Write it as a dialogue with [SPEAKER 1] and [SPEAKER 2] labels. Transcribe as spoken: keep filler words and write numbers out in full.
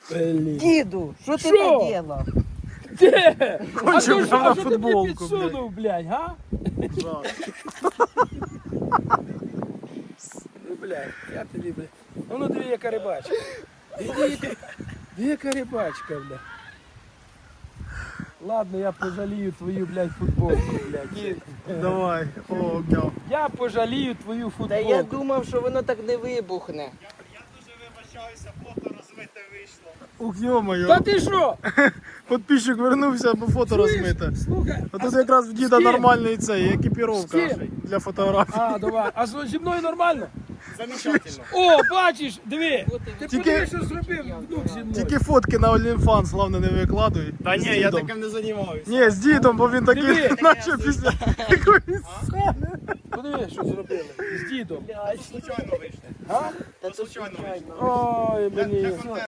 [SPEAKER 1] Блін.
[SPEAKER 2] Діду, що ти
[SPEAKER 1] Що?
[SPEAKER 2] наділа?
[SPEAKER 1] Де? А
[SPEAKER 3] Кончив
[SPEAKER 1] то ж-
[SPEAKER 3] прямо
[SPEAKER 1] а
[SPEAKER 3] на
[SPEAKER 1] що ти мені
[SPEAKER 3] футболку,
[SPEAKER 1] підсунув, блядь, га? Ну, блядь, я тобі, блядь. Ну, ну, диви, яка рибачка. Диви, диви, диви, яка рибачка, блядь. Ладно, я пожалію твою, блядь, футболку, блядь.
[SPEAKER 3] Давай. О, гав.
[SPEAKER 1] Я пожалію твою
[SPEAKER 2] Та
[SPEAKER 1] футболку.
[SPEAKER 2] я думав, що воно так не вибухне.
[SPEAKER 3] Ух, йо-моє.
[SPEAKER 1] Та ти що?
[SPEAKER 3] Підписчик вернувся, бо фото
[SPEAKER 1] Чуєш?
[SPEAKER 3] розмите.
[SPEAKER 1] Слухай,
[SPEAKER 3] А
[SPEAKER 1] а
[SPEAKER 3] тут
[SPEAKER 1] з-
[SPEAKER 3] якраз в
[SPEAKER 1] з
[SPEAKER 3] діда
[SPEAKER 1] ким?
[SPEAKER 3] нормальний цей,
[SPEAKER 1] З
[SPEAKER 3] екіпіровка
[SPEAKER 1] ким?
[SPEAKER 3] для фотографій.
[SPEAKER 1] А, давай. А з- зі мною нормально? Замечательно. О, бачиш, диви. Ти
[SPEAKER 3] Тільки-
[SPEAKER 1] подиви, що зробив внук зі мною.
[SPEAKER 3] Тільки фотки на OnlyFans, славно, не викладуй.
[SPEAKER 4] Та
[SPEAKER 3] З
[SPEAKER 4] ні, я
[SPEAKER 3] дідом.
[SPEAKER 4] таким не займаюся.
[SPEAKER 3] Ні, з дідом, бо він такий,
[SPEAKER 1] Диви.
[SPEAKER 3] наче після якоїсь сцени.
[SPEAKER 1] Подиви, що зробили. З дідом.
[SPEAKER 4] Случайно вийшли.
[SPEAKER 1] А?
[SPEAKER 2] Та це
[SPEAKER 4] Случайно вийшли.
[SPEAKER 2] случайно.
[SPEAKER 1] Ой, блін.